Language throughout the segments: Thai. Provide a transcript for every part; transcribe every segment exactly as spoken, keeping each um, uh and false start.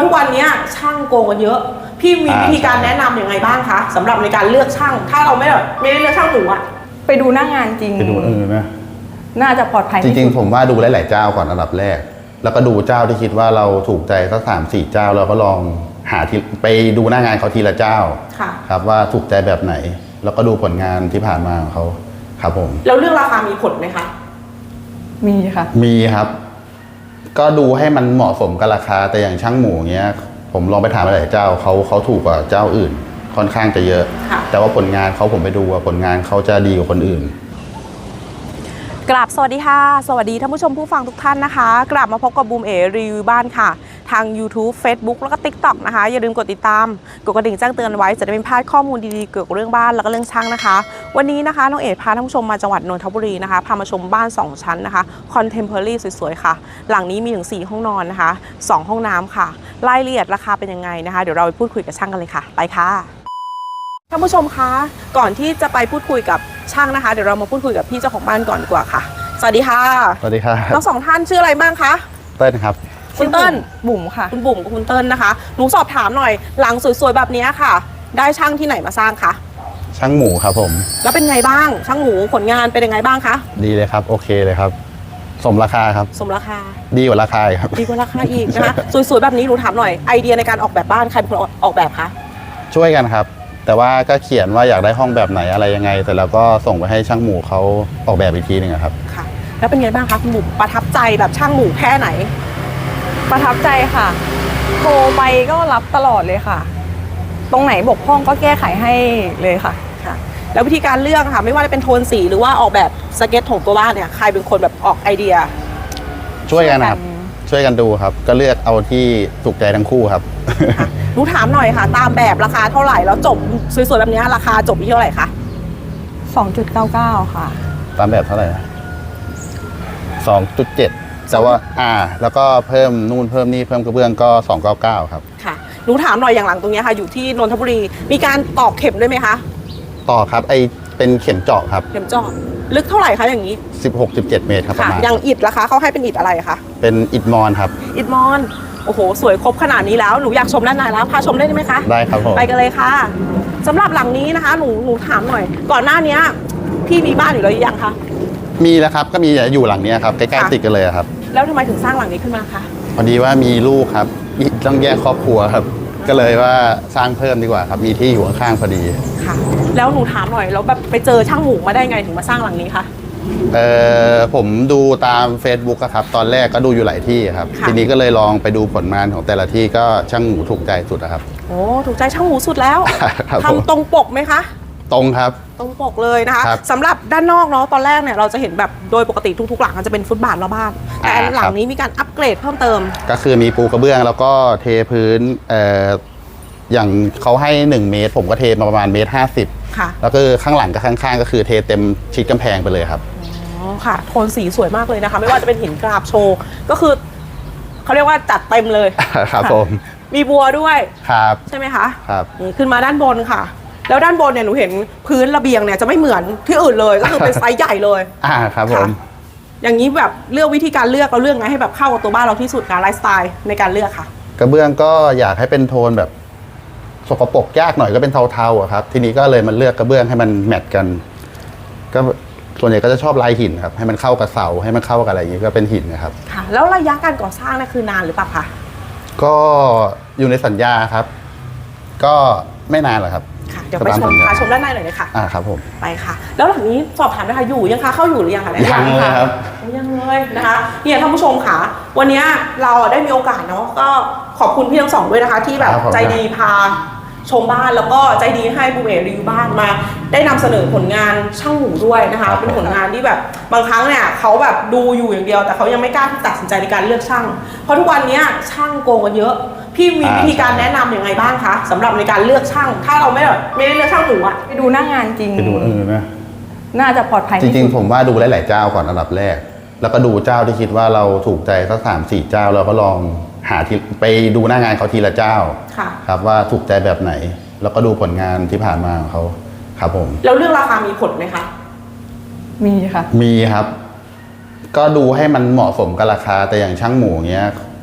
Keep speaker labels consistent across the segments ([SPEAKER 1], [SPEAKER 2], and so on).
[SPEAKER 1] ะทุกวันนี้ช่างโกงกันเยอะพี่มีวิธีการแนะนำยังไงบ้างคะสำหรับในการเลือกช่างถ้าเราไม่แบบไม่ได้เลือกช่างหมูอะ
[SPEAKER 2] ไปดูหน้างานจริง
[SPEAKER 3] ไปดูเออนะ
[SPEAKER 2] น่าจะปลอดภัย
[SPEAKER 3] จริงๆผมว่าดูหลายๆเจ้าก่อนอันดับแรกแล้วก็ดูเจ้าที่คิดว่าเราถูกใจสักสามสี่เจ้าแล้วก็ลองหาที่ไปดูหน้างานเขาทีละเจ้าครับว่าถูกใจแบบไหนแล้วก็ดูผลงานที่ผ่านมาของเขาครับผม
[SPEAKER 1] แล้วเรื่องราคามีผลไหมคะ
[SPEAKER 2] มีค่ะ
[SPEAKER 3] มีครับก็ดูให้มันเหมาะสมกับราคาแต่อย่างช่างหมูเงี้ยผมลองไปถามหลายเจ้าเขาเขาถูกกว่าเจ้าอื่นค่อนข้างจะเยอะแต่ว่าผลงานเขาผมไปดูว่าผลงานเขาจะดีกว่าคนอื่น
[SPEAKER 1] กราบสวัสดีค่ะสวัสดีท่านผู้ชมผู้ฟังทุกท่านนะคะกลับมาพบกับบูมเอรีวิวบ้านค่ะทาง YouTube Facebook แล้วก็ ติ๊กต็อก นะคะอย่าลืมกดติดตามกดกระดิ่งแจ้งเตือนไว้จะได้ไม่พลาดข้อมูลดีๆเกี่ยวกับเรื่องบ้านแล้วก็เรื่องช่างนะคะวันนี้นะคะน้องเอ๋พาท่านผู้ชมมาจังหวัดนนทบุรีนะคะพามาชมบ้านสองชั้นนะคะคอนเทมเพอรี่สวยๆค่ะหลังนี้มีถึงสี่ห้องนอนนะคะสองห้องน้ำค่ะรายละเอียดราคาเป็นยังไงนะคะเดี๋ยวเราไปพูดคุยกับช่างกันเลยค่ะไปค่ะท่านผู้ชมคะก่อนที่จะไปพูดคุยกับช่างนะคะเดี๋ยวเรามาพูดคุยกับพี่เจ้าของบ้านก่อนดีกว่าค่ะสวัสดีค่ะ
[SPEAKER 3] สวัสดีครับ
[SPEAKER 1] ทั้งสองท่านชื่ออะไรบ้างคะ
[SPEAKER 3] เต้นครับ
[SPEAKER 1] คุณเติ้ล
[SPEAKER 2] บุ๋มค่ะ
[SPEAKER 1] คุณบุ๋มกับคุณเติ้ลนะคะหนูสอบถามหน่อยหลังสวยๆแบบนี้ค่ะได้ช่างที่ไหนมาสร้างคะ
[SPEAKER 3] ช่างหมูครับผม
[SPEAKER 1] แล้วเป็นไงบ้างช่างหมูผลงานเป็นยังไงบ้างคะ
[SPEAKER 3] ดีเลยครับโอเคเลยครับสมราคาครับ
[SPEAKER 1] สมราคา
[SPEAKER 3] ดีกว่าราคาครับ
[SPEAKER 1] ดีกว่าราคาอีกนะคะสวยๆแบบนี้หนูถามหน่อยไอเดียในการออกแบบบ้านใครเป็นคนออกแบบคะ
[SPEAKER 3] ช่วยกันครับแต่ว่าก็เขียนว่าอยากได้ห้องแบบไหนอะไรยังไงแต่เราก็ส่งไปให้ช่างหมูเขาออกแบบอีกทีหนึ่งครับ
[SPEAKER 1] ค่ะแล้วเป็นไงบ้างคะคุณบุ๋มประทับใจแบบช่างหมูแค่ไหน
[SPEAKER 2] ประทับใจค่ะโทรไปก็รับตลอดเลยค่ะตรงไหนบกพร่องก็แก้ไขให้เลยค่ะ
[SPEAKER 1] ค่ะแล้ววิธีการเลือกค่ะไม่ว่าจะเป็นโทนสีหรือว่าออกแบบสเก็ตของตัวบ้านเนี่ยใครเป็นคนแบบออกไอเดีย
[SPEAKER 3] ช่วยกันครับช่วยกันดูครับก็เลือกเอาที่ถูกใจทั้งคู่ครับ
[SPEAKER 1] หนูถามหน่อยค่ะตามแบบราคาเท่าไหร่แล้วจบสวยๆแบบนี้ราคาจบที่เท่าไหร่คะ
[SPEAKER 2] สองจุดเก้าเก้า ค่ะ
[SPEAKER 3] ตามแบบเท่าไหร่ สองจุดเจ็ด แต่ว่าอ่าแล้วก็เพิ่มนู่นเพิ่มนี่เพิ่มกระเบื้องก็สองร้อยเก้าสิบเก้าครับ
[SPEAKER 1] ค่ะหนูถามหน่อยอย่างหลังตรงนี้ค่ะอยู่ที่นนทบุรีมีการตอกเข็มด้วยไหมคะ
[SPEAKER 3] ต่อครับไอเป็นเข็มเจาะครับ
[SPEAKER 1] เข็มเจาะลึกเท่าไหร่คะอย่างนี้
[SPEAKER 3] สิบหก สิบเจ็ด เมตรครับประมาณ
[SPEAKER 1] อย่างอิฐราคาเขาให้เป็นอิฐอะไรคะ
[SPEAKER 3] เป็นอิฐมอนครับ
[SPEAKER 1] อิฐมอนโอ้โหสวยครบขนาดนี้แล้วหนูอยากชมด้านในแล้วพาชมได้ไหมคะ
[SPEAKER 3] ได้ครับผม
[SPEAKER 1] ไปกันเลยค่ะสำหรับหลังนี้นะคะหนูหนูถามหน่อยก่อนหน้านี้พี่มีบ้านอยู่แล้วยังคะ
[SPEAKER 3] มีแล้วครับก็มีอยู่หลังนี้ครับใกล้ๆติดกันเลยครับ
[SPEAKER 1] แล้วทำไมถึงสร้างหลังนี้ขึ้นมาคะ
[SPEAKER 3] พอดีว่ามีลูกครับต้องแยกครอบครัวครับก็เลยว่าสร้างเพิ่มดีกว่าครับมีที่อยู่ข้างๆพอดี
[SPEAKER 1] ค่ะแล้วหนูถามหน่อยแล้วแบบไปเจอช่างหมูมาได้ไงถึงมาสร้างหลังนี้คะ
[SPEAKER 3] เออผมดูตาม Facebook ครับตอนแรกก็ดูอยู่หลายที่ครับทีนี้ก็เลยลองไปดูผลงานของแต่ละที่ก็ช่างหมูถูกใจสุดครับ
[SPEAKER 1] โอ้ถูกใจช่างหมูสุดแล้วทำตรงปกไหมคะ
[SPEAKER 3] ตรงครับ
[SPEAKER 1] ตรงปกเลยนะคะสำหรับด้านนอกเนาะตอนแรกเนี่ยเราจะเห็นแบบโดยปกติทุกๆหลังมันจะเป็นฟุตบาทรอบบ้านแต่หลังนี้มีการอัปเกรดเพิ่มเติม
[SPEAKER 3] ก็คือมีปูกระเบื้องแล้วก็เทพื้นเอ่ออย่างเขาให้หนึ่งเมตรผมก็เทมาประมาณเมตรห้าสิบค่ะแล้วก็ข้างหลังกับข้างๆก็คือเทเต็มชิดกำแพงไปเลยครับ
[SPEAKER 1] อ๋อค่ะโทนสีสวยมากเลยนะคะไม่ว่าจะเป็นหินกราบโชว์ก็คือเขาเรียกว่าจัดเต็มเลย
[SPEAKER 3] ครับผม
[SPEAKER 1] มีบัวด้วย
[SPEAKER 3] ครับ
[SPEAKER 1] ใช่ไหมคะ
[SPEAKER 3] ครับ
[SPEAKER 1] นี่ขึ้นมาด้านบนค่ะแล้วด้านบนเนี่ยหนูเห็นพื้นระเบียงเนี่ยจะไม่เหมือนที่อื่นเลยก็คือเป็นไซส์ใหญ่เลย
[SPEAKER 3] อ่าครับผม
[SPEAKER 1] อย่างนี้แบบเลือกวิธีการเลือกเราเลือกไงให้แบบเข้ากับตัวบ้านเราที่สุดการไลฟ์สไตล์ในการเลือกค่ะ
[SPEAKER 3] กระเบื้องก็อยากให้เป็นโทนแบบสกปรกยากหน่อยก็เป็นเทาๆอะครับทีนี้ก็เลยมันเลือกกระเบื้องให้มันแมทกันก็ส่วนใหญ่ก็จะชอบลายหินครับให้มันเข้ากับเสาให้มันเข้ากับอะไรอย่างนี้ก็เป็นหินนะครับ
[SPEAKER 1] ค่ะแล้วระยะการก่อสร้างเนี่ยคือนานหรือเปล่าคะ
[SPEAKER 3] ก็อยู่ในสัญญาครับก็ไม่นานหรอกครับ
[SPEAKER 1] ค่ะเดี๋ยวไปชมค่ะชมด้านในหน่อยเลยค่ะ
[SPEAKER 3] อ่าครับผม
[SPEAKER 1] ไปค่ะแล้วหลังนี้สอบถามนะคะอยู่ยังคะเข้าอยู่หรือยังคะ
[SPEAKER 3] ยังเลยครับ
[SPEAKER 1] ยังเลยนะคะเนี่ยท่านผู้ชมค่ะวันนี้เราได้มีโอกาสเนาะก็ขอบคุณพี่ทั้งสองด้วยนะคะที่แบบใจดีพาชมบ้านแล้วก็ใจดีให้บูมเอรีวิวบ้านมาได้นำเสนอผลงานช่างหมูด้วยนะคะเป็นผลงานที่แบบบางครั้งเนี่ยเขาแบบดูอยู่อย่างเดียวแต่เขายังไม่กล้าที่ตัดสินใจในการเลือกช่างเพราะทุกวันนี้ช่างโกงกันเยอะพี่มีวิธีการแนะนำยังไงบ้างคะสำหรับในการเลือกช่างถ้าเราไม่แบบไม่ได้เลือกช่างหมูอะ
[SPEAKER 2] ไปดูหน้างานจริง
[SPEAKER 3] ไปดูเออนะ
[SPEAKER 2] น่าจะปลอดภัย
[SPEAKER 3] จริงๆผมว่าดูหลายๆเจ้าก่อนอันดับแรกแล้วก็ดูเจ้าที่คิดว่าเราถูกใจสักสามสี่เจ้าเราก็ลองหาที่ไปดูหน้างานเขาทีละเจ้าครับว่าถูกใจแบบไหนแล้วก็ดูผลงานที่ผ่านมาของเขาครับผม
[SPEAKER 1] แล้วเรื่องราคามีผลไหมคะ
[SPEAKER 2] มีค่ะ
[SPEAKER 3] มีครับก็ดูให้มันเหมาะสมกับราคาแต่อย่างช่างหมูเงี้ยผ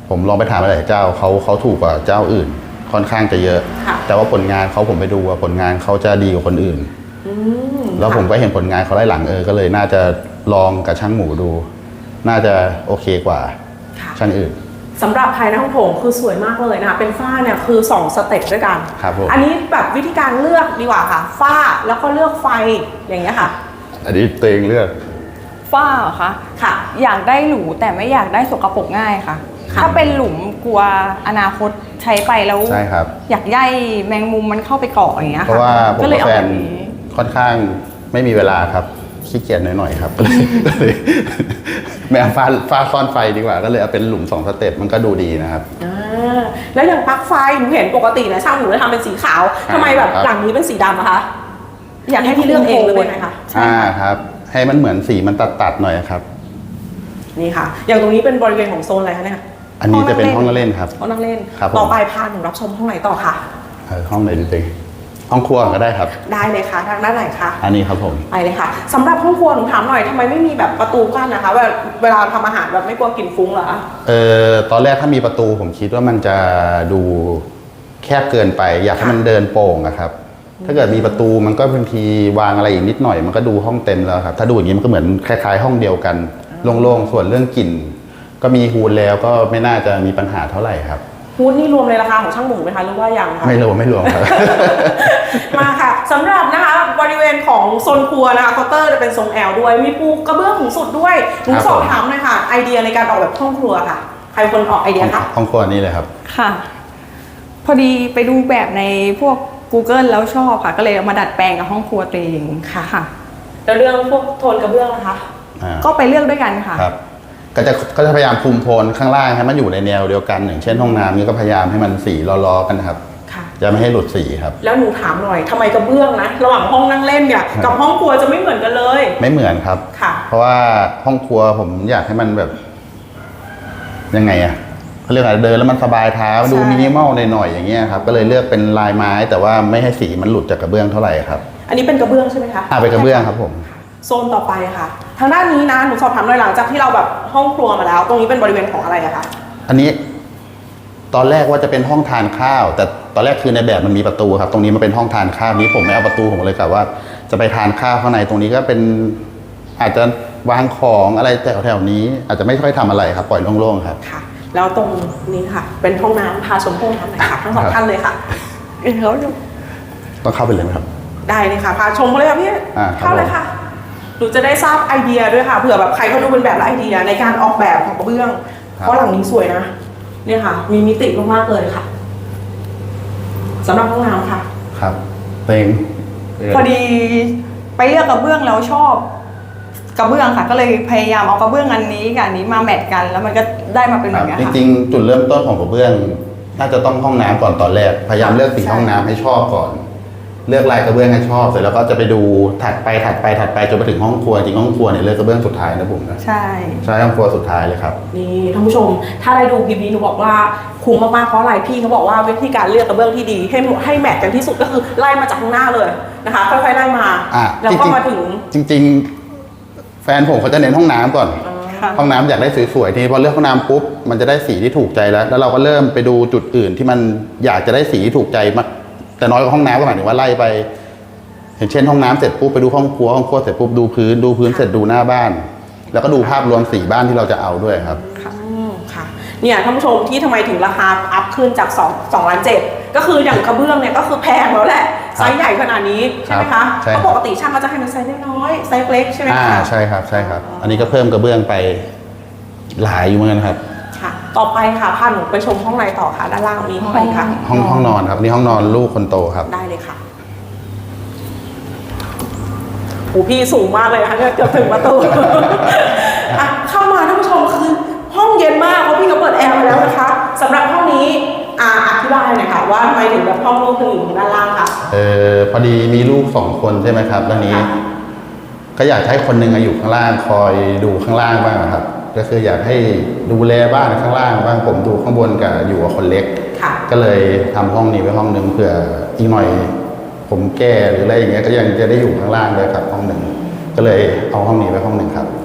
[SPEAKER 3] ผมลองไปถามหลายเจ้าเขาเขาถูกกว่าเจ้าอื่นค่อนข้างจะเยอะ แต่ว่าผลงานเขาผมไปดูว่าผลงานเขาจะดีกว่าคนอื่นแล้วผมก็เห็นผลงานเขาไล่หลังเออก็เลยน่าจะลองกับช่างหมูดู น่าจะโอเคกว่าช่างอื่น
[SPEAKER 1] สำหรับภายในห้องโถงคือสวยมากเลยนะคะเป็นฝ้าเนี่ยคือสองสเต็ปด้วยกัน
[SPEAKER 3] ครับผม
[SPEAKER 1] อันนี้แบบวิธีการเลือกดีกว่าค่ะฝ้าแล้วก็เลือกไฟอย่างเงี้ยค่ะ
[SPEAKER 3] อันนี้ตัวเองเลือก
[SPEAKER 2] ฝ้าเหรอคะ
[SPEAKER 1] ค่ะ
[SPEAKER 2] อยากได้หรูแต่ไม่อยากได้สกปรกง่ายค่ะถ้าเป็นหลุมกลัวอนาคตใช้ไปแล้ว
[SPEAKER 3] ใช่ครับ
[SPEAKER 2] อยากย่ายแมงมุมมันเข้าไปเกาะอย่างเงี้ย
[SPEAKER 3] ค่ะเพราะว่าผมกับแฟนค่อนข้างไม่มีเวลาครับขี้เกียจหน่อยๆครับก็เลยไม่เอาฟ้าฟ้าซ่อนไฟดีกว่าก็เลยเอาเป็นหลุมสองสเต็ปมันก็ดูดีนะครับ
[SPEAKER 1] แล้วอย่างปลั๊กไฟหนูเห็นปกตินะช่างหนูจะทำเป็นสีขาวทำไมแบบหลังนี้เป็นสีดำอะคะอยากให้พี่เลือกเองหรือเป็นไงคะ
[SPEAKER 3] อ่าครับให้มันเหมือนสีมันตัดๆหน่อยครับ
[SPEAKER 1] นี่ค่ะอย่างตรงนี้เป็นบริเวณของโซนอะไรคะเนี่ย
[SPEAKER 3] อันนี้จะเป็นห้องนั่งเล่นครับ
[SPEAKER 1] ห้องนั่งเล่นต่อไปพาหนูรับชมห้องไหนต่อค่ะ
[SPEAKER 3] ห้องไหนดีห้องครัวก็ได้ครับ
[SPEAKER 1] ได้เลยค่ะทางด้านไหนคะ
[SPEAKER 3] อันนี้ครับผม
[SPEAKER 1] ไปเลยค่ะสำหรับห้องครัวหนูถามหน่อยทำไมไม่มีแบบประตูกั้นนะคะเวลาทำอาหารแบบไม่กลัวกลิ่นฟุ้งเหรอ
[SPEAKER 3] เออตอนแรกถ้ามีประตูผมคิดว่ามันจะดูแคบเกินไปอยากให้มันเดินโป่งนะครับถ้าเกิดมีประตูมันก็บางทีวางอะไรอีกนิดหน่อยมันก็ดูห้องเต็มแล้วครับถ้าดูอย่างนี้มันก็เหมือนคล้ายๆห้องเดียวกันโล่งๆส่วนเรื่องกลิ่นก็มีฮูดแล้วก็ไม่น่าจะมีปัญหาเท่าไหร่ครับ
[SPEAKER 1] ฮูดนี่รวมในราคาของช่างหมูไหมคะหรือว่ายังคะ
[SPEAKER 3] ไม่รวมไม่รวมครับ
[SPEAKER 1] มาค่ะสำหรับนะคะบริเวณของโซนครัวนะคะเคาน์เตอร์จะเป็นทรงแอลด้วยมีปูกระเบื้องสูงสุดด้วยหนูสอบถามหน่อยค่ะไอเดียในการออกแบบห้องครัวค่ะใครคนออกไอเดียคะ
[SPEAKER 3] ห้องครัวนี้เลยครับ
[SPEAKER 2] ค่ะพอดีไปดูแบบในพวก Google แล้วชอบค่ะก็เลยเอามาดัดแปลงกับห้องครัวตัวเอง
[SPEAKER 1] ค่ะค่ะแล้วเรื่องพวกโทนกระเบื้องนะคะ
[SPEAKER 2] ก็ไปเลือกด้วยกันค่ะ
[SPEAKER 3] ครับก็จะก็จะพยายามคุมโทนข้างล่างให้มันอยู่ในแนวเดียวกันอย่างเช่นห้องน้ำนี่ก็พยายามให้มันสีล้อๆกันนะครับจะไม่ให้หลุดสีครับ
[SPEAKER 1] แล้วหนูถามหน่อยทำไมกระเบื้องนะระหว่างห้องนั่งเล่นเนี่ยกับห้องครัวจะไม่เหมือนกันเลย
[SPEAKER 3] ไม่เหมือนครับ
[SPEAKER 1] ค่ะ
[SPEAKER 3] เพราะว่าห้องครัวผมอยากให้มันแบบยังไงอะเขาเรียกอะไรเดินแล้วมันสบายเท้าดูมินิมอลหน่อยๆอย่างเงี้ยครับก็เลยเลือกเป็นลายไม้แต่ว่าไม่ให้สีมันหลุดจากกระเบื้องเท่าไหร่ครับ
[SPEAKER 1] อันนี้เป็นกระเบื้องใช่ไหมคะ
[SPEAKER 3] อ่าเป็นกระเบื้องครับผม
[SPEAKER 1] โซนต่อไปค่ะทางด้านนี้นะหนูสอบถามหน่อยหลังจากที่เราแบบห้องครัวมาแล้วตรงนี้เป็นบริเวณของอะไรอะคะ
[SPEAKER 3] อันนี้ตอนแรกว่าจะเป็นห้องทานข้าวแต่ตอนแรกคือในแบบมันมีประตูครับตรงนี้มันเป็นห้องทานข้าวนี้ผมไม่เอาประตูผมเลยกะว่าจะไปทานข้าวข้างในตรงนี้ก็เป็นอาจจะวางของอะไรแถวๆนี้อาจจะไม่ค่อยทำอะไรครับปล่อยโล่งๆครับ
[SPEAKER 1] ค่ะแล้วตรงนี้ค่ะเป็นห้องน้ำพาชมห้องน้ำหน่อยค่ะทั้งสองท่านเลยค่ะ
[SPEAKER 2] เขา
[SPEAKER 3] ต้องเข้าไปเลยไหมครับ
[SPEAKER 1] ได้เลยค่ะพาชมเลยค่ะพี่เข้าเลยค่ะหนูจะได้ทราบไอเดียด้วยค่ะเผื่อแบบใครเขาดูเป็นแบบไอเดียในการออกแบบของกระเบื้องเพราะหลังนี้สวยนะเนี่ยค่ะมีมิติมากๆเลยค่ะสำหรับห้องน้ำค่ะ
[SPEAKER 3] ครับเต็ง
[SPEAKER 2] พอดีไปเลือกกระเบื้องแล้วชอบกระเบื้องค่ะก็เลยพยายามเอากระเบื้องอันนี้กับอันนี้มาแมทกันแล้วมันก็ได้มาเป็นแบบนี้
[SPEAKER 3] ค่ะจริงๆจุดเริ่มต้นของกระเบื้องน่าจะต้องห้องน้ำก่อนตอนแรกพยายามเลือกสีห้องน้ำให้ชอบก่อนเลือกลายกระเบื้องให้ชอบเสร็จแล้วก็จะไปดูถัดไปถัดไปถัดไปจนไปถึงห้องครัวจริงห้องครัวเนี่ยเลือกกระเบื้องสุดท้ายนะผมนะ
[SPEAKER 2] ใช่
[SPEAKER 3] ใช่ห้องครัวสุดท้ายเลยครับ
[SPEAKER 1] นี่ท่านผู้ชมถ้าได้ดูคลิปนี้หนูบอกว่าคุ้มมากๆเพราะอะไรพี่เขาบอกว่าวิธีการเลือกกระเบื้องที่ดีให้ให้แมทกันที่สุดก็คือไล่มาจากข้างหน้าเลยนะคะค่อยๆไล่มาแล้วก็มาถึง
[SPEAKER 3] จริงๆแฟนผมเขาจะเน้นห้องน้ำก่อนห้องน้ำอยากได้สวยๆทีพอเลือกห้องน้ำปุ๊บมันจะได้สีที่ถูกใจแล้วแล้วเราก็เริ่มไปดูจุดอื่นที่มันอยากจะได้สีที่ถูกใจมากแต่น้อยกว่าห้องน้ำก็หมายถึงว่าไล่ไปอย่างเช่นห้องน้ำเสร็จปุ๊บไปดูห้องครัวห้องครัวเสร็จปุ๊บดูพื้นดูพื้นเสร็จดูหน้าบ้านแล้วก็ดูภาพรวมสีบ้านที่เราจะเอาด้วยครับ
[SPEAKER 1] ค่ะค่ะเนี่ยท่านผู้ชมที่ทำไมถึงราคาอัพขึ้นจาก2 2ล้านเจ็ดก็คืออย่างกระเบื้องเนี่ยก็คือแพงแล้วแหละไซส์ใหญ่ขนาดนี้ใช่ไหมคะเพราะปกติช่างก็จะให้มันไซส์น้อยไซส์เล็กใช่ไหมคะ
[SPEAKER 3] อ่าใช่ครับใช่ครับอันนี้ก็เพิ่มกระเบื้องไปหลายอยู่เหมือนกันครับ
[SPEAKER 1] ค่ะต่อไปค่ะพาหนูไปชมห้องในต่อค่ะด้านล่างมีห้องอะไรคะ
[SPEAKER 3] ห้องห้องนอนครับนี่ห้องนอนลูกคนโตครับ
[SPEAKER 1] ได้เลยค่ะโอ้พี่สูงมากเลยนะคะเกือบถึงประตูเข้ามาท่านผู้ชมคือห้องเย็นมากเพราะพี่ก็เปิดแอร์มาแล้วนะคะสำหรับห้องนี้อธิบายหน่อยค่ะว่าทำไมถึงแบบห้องลูกถึงอยู่ด้านล่างค่ะ
[SPEAKER 3] เออพอดีมีลูกสองคนใช่ไหมครับแล้วนี้ก็อยากให้คนหนึ่งอยู่ข้างล่างคอยดูข้างล่างบ้างนะครับก็คืออยากให้ดูแลบ้านข้างล่างบ้างผมดูข้างบนกับอยู่กับคนเล็กก็เลยทำห้องนี้ไว้ห้องหนึ่งเผื่ออีกหน่อยผมแก่หรืออะไรอย่างเงี้ยก็ยังจะได้อยู่ข้างล่างเลยครับห้องหนึ่งก็เลยเอาห้องนี้ไว้ห้องหนึ่งครับ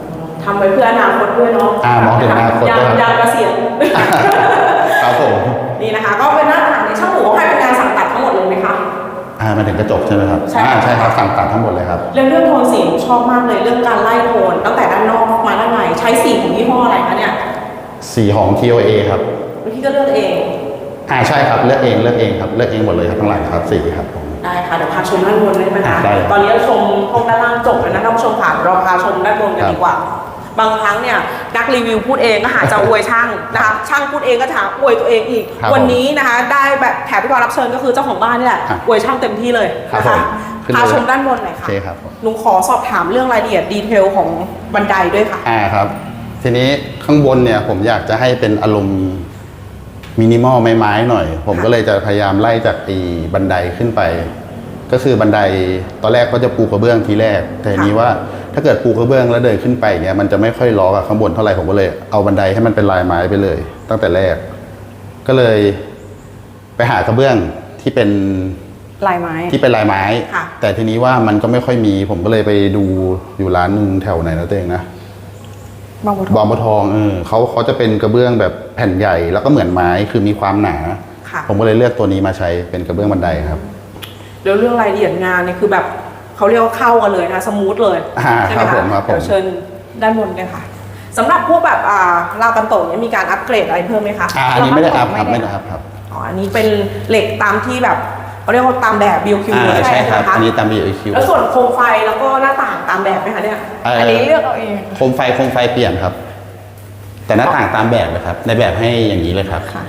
[SPEAKER 1] ทำไว้เพื่ออนาคตด้วยเนาะ
[SPEAKER 3] อ่ามองถึงอนาคต
[SPEAKER 1] ยา
[SPEAKER 3] ด้วยครับ
[SPEAKER 1] ยามเกษียณ
[SPEAKER 3] ครับผม
[SPEAKER 1] นี่นะคะ ก็เป็นหน้าต่างในช่างหมูให้เป็นงานสั่งตัดทั้งหมดเลยไหมคะ
[SPEAKER 3] อ่ามาถึงกระจกใช่ไหมครับ
[SPEAKER 1] ใช่
[SPEAKER 3] อ่าใช่ครับสั่งตัดทั้งหมดเลยครับ
[SPEAKER 1] เรื่องเรื่องโทนสีชอบมากเลยเรื่องการไล่โทนตั้งแต่ด้านนอกมาด้านในใช้สีของยี่ห้ออะไรคะเนี่ย
[SPEAKER 3] สีของ ที โอ เอ ครับ
[SPEAKER 1] พี่ก็เลือกเอง
[SPEAKER 3] อ่าใช่ครับเลือกเองเลือกเองครับเลือกเองหมดเลยครับทั้งหลายครับสีครับผม
[SPEAKER 1] ได้ค่ะเดี๋ยวพาชมด้านบนได้ไหมคะ
[SPEAKER 3] ได้เลย
[SPEAKER 1] ตอนนี้เราชมห้องด้านล่างจบแล้วนะท่านผู้ชมค่ะเราพาชมด้านบนกันดีกว่า บางครั้งเนี่ยนักรีวิวพูดเองก็หาจะอวยช่างนะคะช่างพูดเองก็จะหาอวยตัวเองอีก
[SPEAKER 3] ครับ
[SPEAKER 1] วันนี้นะคะได้แบบแขกผู้รับเชิญก็คือเจ้าของบ้านนี่แหละ
[SPEAKER 3] ครับ
[SPEAKER 1] อวยช่างเต็มที่เลย
[SPEAKER 3] ครับ
[SPEAKER 1] นะคะ
[SPEAKER 3] ผมขึ้นเลย
[SPEAKER 1] พาชมด้านบนหน่อย
[SPEAKER 3] โอ
[SPEAKER 1] ค่ะ
[SPEAKER 3] เคครับผม
[SPEAKER 1] หนูขอสอบถามเรื่องรายละเอียดดีเทลของบันไดด้วยค่ะ
[SPEAKER 3] อ่าครับ ทีนี้ข้างบนเนี่ยผมอยากจะให้เป็นอารมณ์มินิมอลไม้ๆหน่อย ผม
[SPEAKER 1] ค่ะ
[SPEAKER 3] ก็เลยจะพยายามไล่จากไอีบันไดขึ้นไป ก็คือบันไดตอนแรกก็จะปูกระเบื้องทีแรก แต่ทีนี้ว่าถ้าเกิดปูกระเบื้องแล้วเดินขึ้นไปเนี่ยมันจะไม่ค่อยล้อกับข้างบนเท่าไหร่ผมก็เลยเอาบันไดให้มันเป็นลายไม้ไปเลย ตั้งแต่แรก ก็เลยไปหากระเบื้องที่เป็น
[SPEAKER 2] ลายไม้
[SPEAKER 3] ที่เป็นลายไม้
[SPEAKER 1] ค่ะ
[SPEAKER 3] แต่ทีนี้ว่ามันก็ไม่ค่อยมี ผมก็เลยไปดูอยู่ร้านหนึ่งแถวไหนนะตัวเองนะ
[SPEAKER 2] บางบัวท
[SPEAKER 3] บ
[SPEAKER 2] อ
[SPEAKER 3] อง มบัวทองเออเขาเขาจะเป็นกระเบื้องแบบแผ่นใหญ่ แล้วก็เหมือนไม้คือมีความหนา
[SPEAKER 1] ค่ะ
[SPEAKER 3] ผมก็เลยเลือกตัวนี้มาใช้เป็นกระเบื้องบันไดครับ
[SPEAKER 1] แล้วเรื่องรายละเอียดงานเนี่ยคือแบบเขาเรียกว่าเข้ากันเลยนะสมูทเลย
[SPEAKER 3] อ่า
[SPEAKER 1] ใช่ไหม
[SPEAKER 3] ครับผ
[SPEAKER 1] คะ
[SPEAKER 3] มครับผม
[SPEAKER 1] เดี๋ยวเชิญด้านบนเลยค่ะสำหรับพวกแบบอ่าราวกันโตะเนี่ยมีการอัปเกรดอะไรเพิ่มไหมคะ
[SPEAKER 3] อ่าอันนี้ไม่ได้อัพครับไม่ได้อัพครับ
[SPEAKER 1] อ๋ออันนี้เป็นเหล็กตามที่แบบเขาเรียกว่าตามแบบ บี คิว
[SPEAKER 3] อ่า
[SPEAKER 1] เลย
[SPEAKER 3] ใช่ครับ
[SPEAKER 1] ไหมคะ
[SPEAKER 3] อันนี้ตาม บี คิว
[SPEAKER 1] แล้วส่วนโคมไฟแล้วก็หน้าต่างตามแบบไหมคะเนี่ย
[SPEAKER 2] อันนี้เลือกเอาเอง
[SPEAKER 3] โคมไฟโคมไฟเปลี่ยนครับ แต่หน้าต่างตามแบบเลยครับ ในแบบให้อย่างนี้เลยครับ
[SPEAKER 1] ค่ะ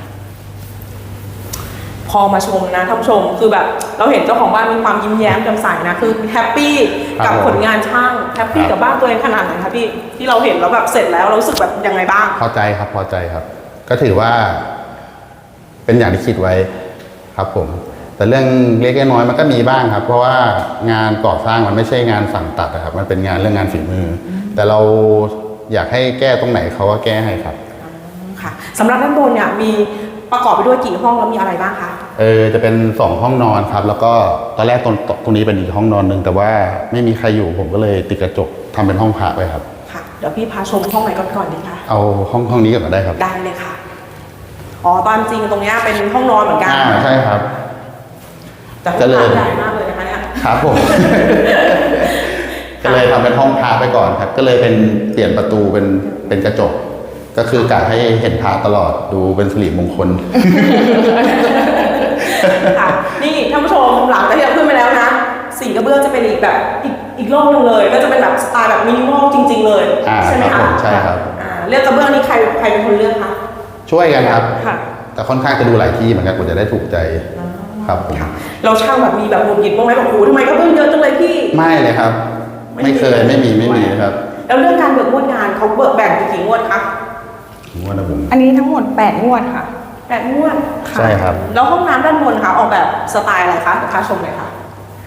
[SPEAKER 1] พอมาชมนะท่านผู้ชมคือแบบเราเห็นเจ้าของบ้านมีความยิ้มแย้มแจ่มใสนะคือแฮปปี้
[SPEAKER 3] ครั
[SPEAKER 1] กับบ
[SPEAKER 3] ผม
[SPEAKER 1] ผลงานช่างแฮปปี้
[SPEAKER 3] ครับ
[SPEAKER 1] กับบ้านตัวเองขนาดไหนคะพี่ที่เราเห็นแล้วแบบเสร็จแล้วเรารู้สึกแบบยังไงบ้าง
[SPEAKER 3] พอใจครับพอใจครับ ก็ถือว่า เป็นอย่างที่คิดไว้ครับผม แต่เรื่องเล็กๆน้อยๆมันก็มีบ้างครับ เพราะว่างานก่อสร้างมันไม่ใช่งานสั่งตัดนะครับ มันเป็นงานเรื่องงานฝีมืออแต่เราอยากให้แก้ตรงไหนเขาก็แก้ให้ครับ
[SPEAKER 1] ค่ะสำหรับด้านบนเนี่ยมีประกอบไปด้วยกี่ห้องแล้วมีอะไรบ้างคะ
[SPEAKER 3] เออจะเป็นสองห้องนอนครับ แล้วก็ตอนแรกตรงตรงนี้เป็นอีกห้องนอนหนึ่งแต่ว่าไม่มีใครอยู่ผมก็เลยติดกระจกทำเป็นห้องพักไว้ครับ
[SPEAKER 1] ค่ะเดี๋ยวพี่พาชมห้องไหนก่อนก่อนดีคะ
[SPEAKER 3] เอาห้องห้องนี้ก่อนก็ได้ครับ
[SPEAKER 1] ได้เลยค่ะอ๋อตามจริงตรงเนี้ยเป็นห้องนอนเหมือนกัน
[SPEAKER 3] อ่าใช่ครับ
[SPEAKER 1] แต่ห้อง
[SPEAKER 3] ก็เลย
[SPEAKER 1] น้ำใหญ่มากเลยนะคะเนี่ย
[SPEAKER 3] ครับผม ก็เลยทำเป็นห้องพระไปก่อนครับ ก็เลยเป็นเปลี่ยนประตูเป็นเป็นกระจก ก็คือกะให้เห็นพระตลอดดูเป็นสิริมงคล
[SPEAKER 1] ค่ะนี่ท่านผู้ชมหลังจากที่เราขึ้นไปแล้วนะสีกระเบื้องจะเป็นอีกแบบอีกอีกโลกหนึงเลย ก็จะเป็นแบบสไตล์แบบมินิมอลจริง ๆ เลย
[SPEAKER 3] อ่า
[SPEAKER 1] ใช่ไหม
[SPEAKER 3] ครั
[SPEAKER 1] คะ
[SPEAKER 3] บผมใช่ครับ
[SPEAKER 1] อ่าเลือกกระเบื้องนี้ใครใครเป็นคนเลือกคะ
[SPEAKER 3] ช่วยกันครับ
[SPEAKER 1] ค่ะ
[SPEAKER 3] แต่ค่อนข้างจะดูหลายที่เหมือนกันกว่าจะได้ถูกใจครับผม
[SPEAKER 1] ค่ะเราช่างแบบมีแบบหงุดหงิดบ้างไหมแบบโอ้โหทำไมกระเบื้องเยอะจังเลยพี่
[SPEAKER 3] ไม่เลยครับ ไม่เคยไม่มีไม่มีครับ
[SPEAKER 1] แล้วเรื่องการเบิกงวดงานเขาเบิกแบ่งเป็นกี่งวดคะ
[SPEAKER 3] ผมว่านะผม
[SPEAKER 2] อันนี้ทั้งหมดแปดงวดค่ะ
[SPEAKER 1] แปดงวด
[SPEAKER 3] ใช่ครับ
[SPEAKER 1] แล้วห้องน้ำด้านบนคะออกแบบสไตล์อะไรคะพาชมเลยค่ะ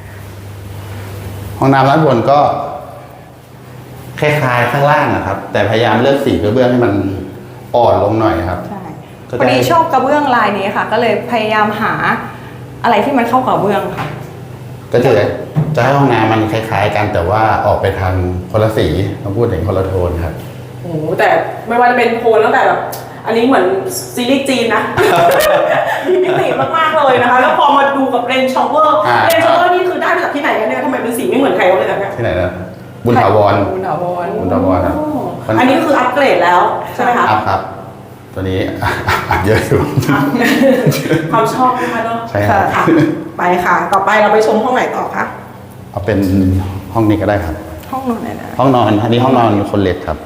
[SPEAKER 3] ห้องน้ำร้านบนก็คล้ายๆข้างล่างนะครับ แต่พยายามเลือกสีกระเบื้องให้มันอ่อนลงหน่อยครับ
[SPEAKER 2] ใช่
[SPEAKER 3] ก็
[SPEAKER 2] พอดี
[SPEAKER 3] ได้
[SPEAKER 2] ชอบกระเบื้องลายนี้ค่ะ ก็เลยพยายามหาอะไรที่มันเข้ากับกระเบื้องค่ะ
[SPEAKER 3] ก็จะจะให้ห้องน้ำมันคล้าย ๆ กันแต่ว่าออกไปทางคนละสีต้องพูดถึงคนละโทนครับ
[SPEAKER 1] โอ้โหแต่ไม่ว่าจะเป็นโทนตั้งแต่แบบอันนี้เหมือนซีรีส์จีนนะ มีมิติมากๆเลยนะคะ แล้วพอมาดูกับเรนชอเวอร์
[SPEAKER 3] อ่า
[SPEAKER 1] เรนชอเวอร์นี่คือได้มาจากที่ไหนกันเนี่ยทำไมเป็นสีไม่เหมือนใครเขาเลยนะเนี่ย
[SPEAKER 3] ที่ไหนนะบุญถาวร
[SPEAKER 2] บุญถาวร
[SPEAKER 3] บุญถาวรครับ
[SPEAKER 1] อ๋ออันนี้คืออัปเกรดแล้วใช่ไหมคะ
[SPEAKER 3] อัพครับ ตัวนี้ อัพเยอะอยู่
[SPEAKER 1] ความชอบนะคะเนาะ
[SPEAKER 3] ใช่ครับ
[SPEAKER 1] ค่ะไปค่ะ ต่อไปเราไปชมห้องไหนต่อคะ
[SPEAKER 3] เอาเป็นห้องนี้ก็ได้ครับ
[SPEAKER 2] ห้องนอนไหนนะ
[SPEAKER 3] ห้องนอนอันนี้ห้องนอนคนเล็กครับ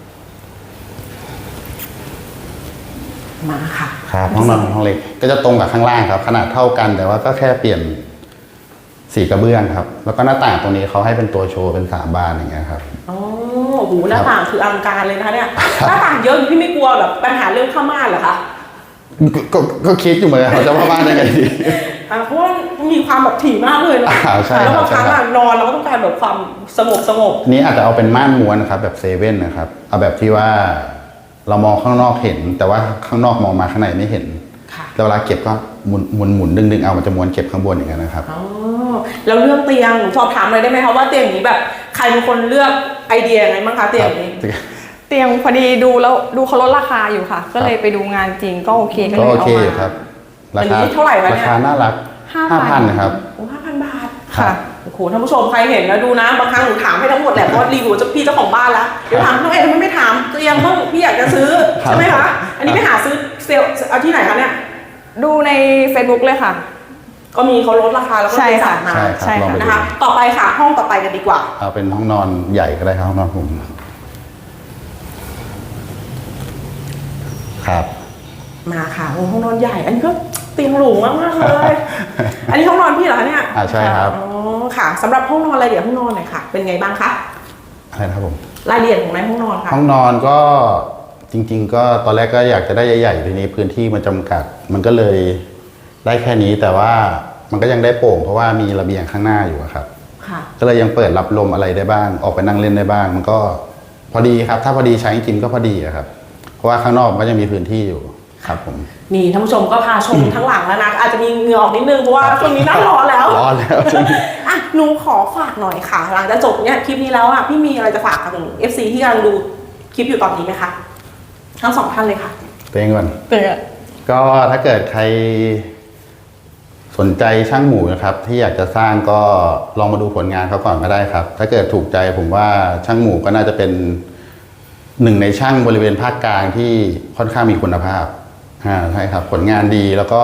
[SPEAKER 1] มาค่ะ
[SPEAKER 3] ครับห้องนอนห้องเล็กก็จะตรงกับข้างล่างครับ ขนาดเท่ากันแต่ว่าก็แค่เปลี่ยนสีกระเบื้องครับ แล้วก็หน้าต่างตรงนี้เขาให้เป็นตัวโชว์เป็นสามบานอย่างเงี้ยครับ
[SPEAKER 1] อ๋อโอ้โหหน้าต่างคืออลังการเลยนะคะเนี่ยหน้าต่างเยอะอยู่พี่ไม่กลัวแบบปัญหาเรื่องผ้าม่านเหรอคะ
[SPEAKER 3] ก็ก็ก็คิดอยู่เหมือนกันเขาจะว่าบ้านได้ไงดี
[SPEAKER 1] อ่ะเพราะว่ามีความแบบถี่มากเลยเนาะ
[SPEAKER 3] อ่าใช่
[SPEAKER 1] แล้ว
[SPEAKER 3] ครับ
[SPEAKER 1] บางครั้ง
[SPEAKER 3] ใช่ครั
[SPEAKER 1] อะ
[SPEAKER 3] บ
[SPEAKER 1] นอนเราก็ต้องการแบบความสงบสงบ
[SPEAKER 3] นี้อาจจะเอาเป็นม่านม้วนนะครับ แบบเซเว่นนะครับ เอาแบบที่ว่าเรามองข้างนอกเห็น แต่ว่าข้างนอกมองมาข้างในไม่เห็น
[SPEAKER 1] ค่ะ
[SPEAKER 3] แล้วเวลาเก็บก็หมุนหมุนหมุนดึงดึงเอามันจะม้วนเก็บข้างบนอย่างนั้นนะครับ
[SPEAKER 1] อ๋อแล้วเรื่องเตียงสอบถามเลยได้ไหมคะว่าเตียงนี้แบบใครเป็นคนเลือกไอเดียยังไงบ้างคะเตียงนี้
[SPEAKER 2] เตียงพอดีดูแล้วดูเขาลดราคาอยู่ค่ะ ก็เลยไปดูงานจริงก็โอเคก็
[SPEAKER 3] ก็
[SPEAKER 2] เลย
[SPEAKER 3] โอ
[SPEAKER 2] เอา
[SPEAKER 3] เค
[SPEAKER 2] มา
[SPEAKER 3] อยู่ครับ รา
[SPEAKER 1] อัน
[SPEAKER 3] คา
[SPEAKER 1] นี้เท่าไหร่วะ
[SPEAKER 3] รา
[SPEAKER 1] เนี่ย
[SPEAKER 3] คาน่ารัก
[SPEAKER 2] ห้า
[SPEAKER 3] ห้า
[SPEAKER 2] พั
[SPEAKER 3] พั
[SPEAKER 2] น
[SPEAKER 3] นนะครับ
[SPEAKER 1] โอ้ห้าพันบาท
[SPEAKER 2] ค่ะ
[SPEAKER 1] โอ้โหท่านผู้ชมใครเห็นแล้วดูนะบางครั้งหนูถามให้ทั้งหมดแหละเพราะรีวิวจะพี่เจ้าของบ้านแล้วเดี๋ยวถามน้องเอ๋ทำไมไม่ถามตัวเองบ้างพี่อยากจะซื้อ
[SPEAKER 3] ครับ
[SPEAKER 1] ใช่ไหมคะอันนี้ไปหาซื้อเซลล์เอาที่ไหนคะเนี่ย
[SPEAKER 2] ดูใน Facebook เลยค่ะ
[SPEAKER 1] ก็มีเขาลดราคาแล้วก็
[SPEAKER 2] ใช่
[SPEAKER 1] ไป
[SPEAKER 2] ค่ะ
[SPEAKER 1] สั่งมา
[SPEAKER 3] ใช่
[SPEAKER 2] ใช่
[SPEAKER 3] ครับลอง
[SPEAKER 2] ค่ะ
[SPEAKER 3] ไปดู
[SPEAKER 1] นะคะ ต่อไปค่ะห้องต่อไปกันดีกว่า
[SPEAKER 3] เอาเป็นห้องนอนใหญ่ก็ได้ครับห้องนอนผมครับ
[SPEAKER 1] มาค่ะโอ้ห้องนอนใหญ่ อันนี้ก็เตียงหรูมากมากๆเลย อันนี้ห้องนอนพี่เหรอคะเนี่ย
[SPEAKER 3] อ่าใช่ครับ
[SPEAKER 1] อ๋อค่ะสำหรับห้องนอนรายละเอียดห้องนอนหน่อยค่ะ เป็นไงบ้างคะ
[SPEAKER 3] อะไรนะครับผม
[SPEAKER 1] รายละเอียดของในห้องนอนค่ะ
[SPEAKER 3] ห้องนอนก็จริง ๆ ก็ตอนแรกก็อยากจะได้ใหญ่ๆทีนี้พื้นที่มันจำกัด มันก็เลยได้แค่นี้แต่ว่ามันก็ยังได้โปร่งเพราะว่ามีระเบียงข้างหน้าอยู่อะครับ
[SPEAKER 1] ค่ะ
[SPEAKER 3] ก็เลยยังเปิดรับลมอะไรได้บ้าง ออกไปนั่งเล่นได้บ้าง มันก็พอดีครับ ถ้าพอดีใช้จริงๆก็พอดีอะครับ เพราะว่าข้างนอกมันก็ยังมีพื้นที่อยู่ครับผม
[SPEAKER 1] นี่ท่านผู้ชมก็พาชมทั้งหลังแล้วนะอาจจะมีเหงื่อออกนิดนึงเพราะว่าช่วงนี้หน้าร้อนแล้ว
[SPEAKER 3] ร้อนแล้ว
[SPEAKER 1] อ่ะหนูขอฝากหน่อยค่ะ หลังจากจบเนี่ยคลิปนี้แล้วอ่ะพี่มีอะไรจะฝากกับเอฟซีที่กำลังดูคลิปอยู่ตอนนี้ไหมคะทั้งสองท่านเลยค่ะ
[SPEAKER 3] ตัวเองก่อน
[SPEAKER 2] เตือน
[SPEAKER 3] ก็ถ้าเกิดใครสนใจช่างหมูนะครับ ที่อยากจะสร้างก็ลองมาดูผลงานเขาก่อนก็ได้ครับ ถ้าเกิดถูกใจผมว่าช่างหมูก็น่าจะเป็นหนึ่งในช่างบริเวณภาคกลางที่ค่อนข้างมีคุณภาพอ่าใช่ครับ ผลงานดีแล้วก็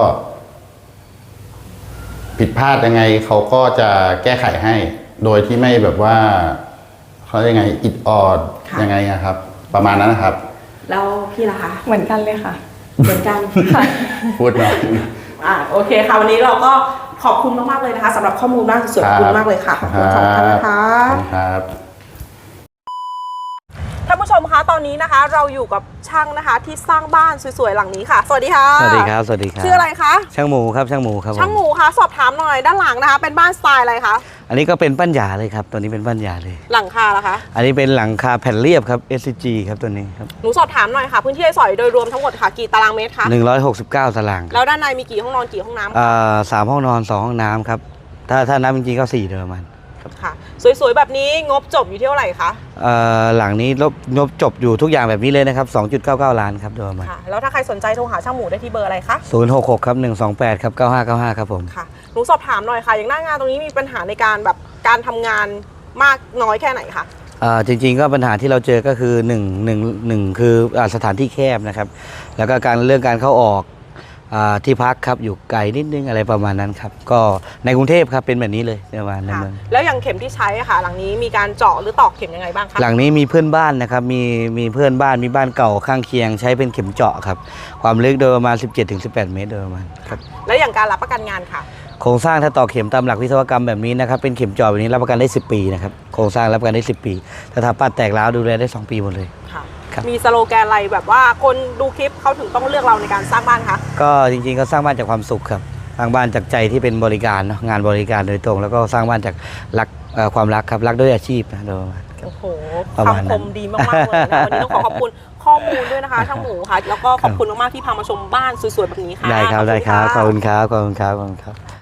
[SPEAKER 3] ผิดพลาดยังไงเขาก็จะแก้ไขให้ โดยที่ไม่แบบว่าเขาเรียกยังไงอิดออด
[SPEAKER 1] ค่ะ
[SPEAKER 3] ยังไงนะครับ ประมาณนั้นนะครับ
[SPEAKER 1] แล้วพี่ล่ะคะ
[SPEAKER 2] เหมือนกันเลยค่ะ
[SPEAKER 1] เหมือนกัน
[SPEAKER 3] พูดหน่อย
[SPEAKER 1] อ่าโอเคค่ะวันนี้เราก็ขอบคุณมากๆเลยนะคะสำหรับข้อมูลมากสวยๆขอบคุณมากเลยค่ะขอบคุณสองท่านนะคะ
[SPEAKER 3] ขอบคุณครับ
[SPEAKER 1] ท่านผู้ชมคะตอนนี้นะคะ เราอยู่กับช่างนะคะที่สร้างบ้านสวยๆหลังนี้ค่ะ สวัสดีค่ะ
[SPEAKER 4] สวัสดีครับ สวัสดีครับ
[SPEAKER 1] ชื่ออะไรคะ
[SPEAKER 4] ช่างหมูครับ ช่างหมูครับผม
[SPEAKER 1] ช่างหมูคะสอบถามหน่อยด้านหลังนะคะ เป็นบ้านสไตล์อะไรคะ
[SPEAKER 4] อันนี้ก็เป็นปั้นหยาเลยครับ ตัวนี้เป็นปั้นหยาเลย
[SPEAKER 1] หลังคาล่ะคะ
[SPEAKER 4] อันนี้เป็นหลังคาแผ่นเรียบครับ เอส ซี จี ครับตัวนี้ครับ
[SPEAKER 1] หนูสอบถามหน่อยค่ะ พื้นที่ให้สอยโดยรวมทั้งหมดค่ะกี่ตารางเมตรคะ
[SPEAKER 4] หนึ่งร้อยหกสิบเก้าตาราง
[SPEAKER 1] แล้วด้านในมีกี่ห้องนอนกี่ห้องน้ำ
[SPEAKER 4] อ่าสามห้องนอนสองห้องน้ำครับ ถ้าถ้านับจริงๆก็สี่เดิมมัน
[SPEAKER 1] ค่ะสวยๆแบบนี้งบจบอยู่ที่เท่าไหร่คะ
[SPEAKER 4] เอ่อหลังนี้ลบงบจบอยู่ทุกอย่างแบบนี้เลยนะครับ สองจุดเก้าเก้า ล้านครับโดยประมาณ
[SPEAKER 1] ค่ะแล้วถ้าใครสนใจโทรหาช่างหมูได้ที่เบอร์อะไรคะ
[SPEAKER 4] ศูนย์หกหกครับหนึ่งสองแปดครับเก้าห้าเก้าห้าครับผม
[SPEAKER 1] ค่ะหนูสอบถามหน่อยค่ะ อย่างหน้างานตรงนี้มีปัญหาในการแบบการทำงานมากน้อยแค่ไหนคะ
[SPEAKER 4] อ่าจริงๆก็ปัญหาที่เราเจอก็คือหนึ่ง หนึ่ง หนึ่งคืออ่าสถานที่แคบนะครับ แล้วก็การเรื่องการเข้าออกอ่าที่พักครับอยู่ไกลนิดนึงอะไรประมาณนั้นครับก็ในกรุงเทพครับเป็นแบบนี้เลยประมาณใน
[SPEAKER 1] ค่ะ
[SPEAKER 4] เมือง
[SPEAKER 1] แล้วอย่างเข็มที่ใช้อะค่ะ หลังนี้มีการเจาะหรือตอกเข็มยังไงบ้างคะ
[SPEAKER 4] หลังนี้มีเพื่อนบ้านนะครับมีมีเพื่อนบ้านมีบ้านเก่าข้างเคียง ใช้เป็นเข็มเจาะครับความลึกโดยประมาณ สิบเจ็ดถึงสิบแปด เมตรโดยประมาณครับ
[SPEAKER 1] แล้วอย่างการรับประกันงานค่ะ
[SPEAKER 4] โครงสร้างถ้าต่อเข็มตามหลักวิศวกรรมแบบนี้นะครับเป็นเข็มเจาะแบบนี้รับประกันได้สิบปีนะครับโครงสร้างรับประกันได้สิบปีถ้าทำปัดแตกร้าวดูแลได้สองปีหมดเลย
[SPEAKER 1] ค่ะ
[SPEAKER 4] ครับ
[SPEAKER 1] มีสโลแกนอะไรแบบว่าคนดูคลิปเขาถึงต้องเลือกเราในการสร้างบ้านคะ
[SPEAKER 4] ก็จริงๆก็สร้างบ้านจากความสุขครับสร้างบ้านจากใจที่เป็นบริการเนอะงานบริการโดยตรง แล้วก็สร้างบ้านจากรักเอ่อความรักครับรักด้วยอาชีพนะโดยประมาณ
[SPEAKER 1] โอ้โห
[SPEAKER 4] ประมาณนั้น
[SPEAKER 1] คำคมดีมากๆเลยนะวันนี้ต้องขอขอบคุณข้อมูลด้วยนะคะช่างหมูค่ะ แล้วก็ขอบคุณมากๆที่พามาชมบ้านสวยๆแบบนี้ค่ะ
[SPEAKER 4] ได้ครับ
[SPEAKER 1] ขอณ
[SPEAKER 4] ได้ครับ
[SPEAKER 1] ะ
[SPEAKER 4] ขอบคุณครับขอบคุณครับขอบคุณครับ